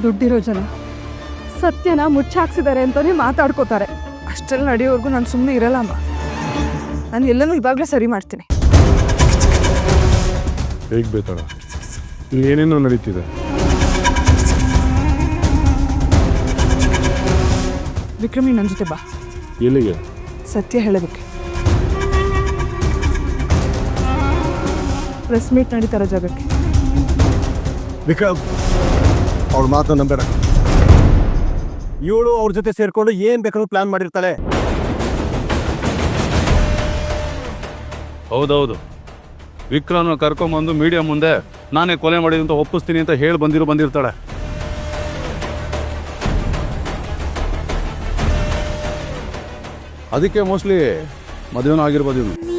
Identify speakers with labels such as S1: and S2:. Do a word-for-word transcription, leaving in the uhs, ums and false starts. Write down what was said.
S1: ದುಡ್ಡಿರೋ ಜನ ಸತ್ಯನ ಮುಚ್ಚಾಕ್ಸಿದ್ದಾರೆ ಅಂತಲೇ ಮಾತಾಡ್ಕೋತಾರೆ. ಅಷ್ಟೆಲ್ಲ ನಡೆಯೋವರೆಗೂ ನಾನು ಸುಮ್ಮನೆ ಇರಲ್ಲ ಅಮ್ಮ. ನಾನು ಎಲ್ಲನೂ ಇವಾಗಲೇ ಸರಿ ಮಾಡ್ತೀನಿ.
S2: ಹೇಗೆ ಬೇತಾಳ, ಇಲ್ಲಿ ಏನೇನೋ ನಡೀತಿದೆ.
S1: ವಿಕ್ರಮಿ ನನ್ನ ಜೊತೆ ಬಾ.
S2: ಎಲ್ಲಿಗೆ?
S1: ಸತ್ಯ ಹೇಳೋದಕ್ಕೆ. ಪ್ರೆಸ್ ಮೀಟ್ ನಡೀತಾರೋ ಜಾಗಕ್ಕೆ.
S3: ವಿಕ್ರಮ್, ಅವ್ರ ಮಾತು ನಂಬೇಡ. ಇವಳು ಅವ್ರ ಜೊತೆ ಸೇರ್ಕೊಂಡು ಏನ್ ಬೇಕಾದ್ರೂ ಪ್ಲಾನ್ ಮಾಡಿರ್ತಾಳೆ.
S4: ಹೌದೌದು, ವಿಕ್ರಮ್ನ ಕರ್ಕೊಂಬಂದು ಮೀಡಿಯಾ ಮುಂದೆ ನಾನೇ ಕೊಲೆ ಮಾಡಿದ ಅಂತ ಒಪ್ಪಿಸ್ತೀನಿ ಅಂತ ಹೇಳಿ ಬಂದಿರೋ ಬಂದಿರ್ತಾಳೆ. ಅದಕ್ಕೆ ಮೋಸ್ಟ್ಲಿ ಮದುವೆನೂ ಆಗಿರ್ಬೋದು ಇವನು.